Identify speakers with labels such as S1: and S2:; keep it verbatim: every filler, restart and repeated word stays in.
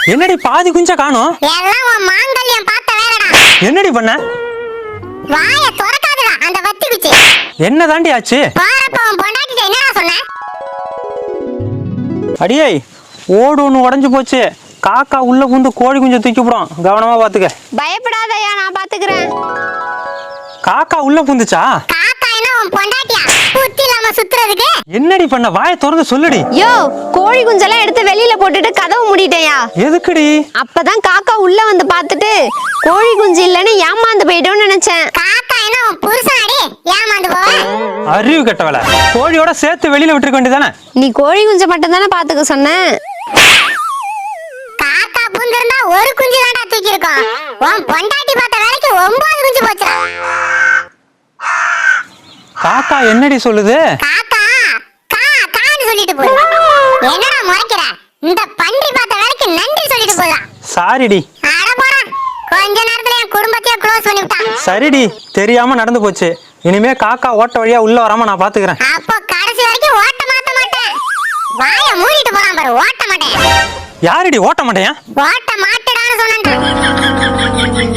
S1: என்னடி பாதி குஞ்ச காணோம்?
S2: எல்லாம் உன் மாங்கல்யம் பார்த்த வேலைடா.
S1: என்னடி பண்ண?
S2: வாய திறக்காதடா அந்த வத்தி குச்சி.
S1: என்ன தாண்டி ஆச்சு?
S2: போறப்ப உன் பொண்டாட்டிட்ட என்னடா சொன்ன?
S1: அடியே ஓடு ஒன்று உடஞ்சு போச்சு. காக்கா உள்ள புந்து கோழி குஞ்சை தூக்கி போடும், கவனமா பாத்துக்க.
S3: பயப்படாதயா, நான் பாத்துக்கிறேன்.
S1: காக்கா உள்ள புந்துச்சா?
S2: காக்கா என்ன உன் பொண்டாட்டியா புத்தி இல்லாம சுத்துறதுக்கு?
S1: என்னடி பண்ண? வாயை திறந்து சொல்லுடி.
S3: யோ, கோழி குஞ்செல்லாம் எடுத்து வெளியில போட்டுட்டு கதவு மூடிட்டேயா.
S1: எதுக்குடி?
S3: அப்பதான் காக்கா உள்ள வந்து பாத்துட்டு கோழி குஞ்சு இல்லன்னு ஏமாந்து போயிட்டோம்னு நினைச்சேன்.
S2: காக்கா என்ன உன் புருஷனாடி ஏமாந்து போவ?
S1: அறிவு கெட்டவள, கோழியோட சேர்த்து வெளியில விட்டுருக்க வேண்டியதானே?
S3: நீ கோழி குஞ்சை மட்டும் தானே பாத்துக்க சொன்ன.
S2: காக்கா புந்திருந்தா ஒரு குஞ்சு தான்டா தூக்கி இருக்கோம். உன் பொண்டாட்டி பார்த்த வேலைக்கு ஒன்பது குஞ்சு போச்சு.
S1: காக்கா என்னடி சொல்லுது?
S2: காக்கா கா கான்னு சொல்லிட்டு போகுது. என்னடா முறைக்கிற? இந்த பன்றி பார்த்த வேலைக்கு நன்றி சொல்லிட்டு போதா.
S1: சாரிடி.
S2: அட போடா, கொஞ்ச நேரத்துல என் குடும்பத்தையே க்ளோஸ் பண்ணி விட்டான்.
S1: சரிடி, தெரியாம நடந்து போச்சு. இனிமே காக்கா ஓட்ட வழியா உள்ள வராம நான் பாத்துக்கிறேன்.
S2: அப்போ கடைசி வரைக்கும் ஓட்ட மாத்த மாட்டேன். வாயை மூடிட்டு போறான் பாரு, ஓட்ட மாட்டேன்.
S1: யாரடி ஓட்ட மாட்டேன்?
S2: ஓட்ட மாட்டேடான்னு சொன்னேன்.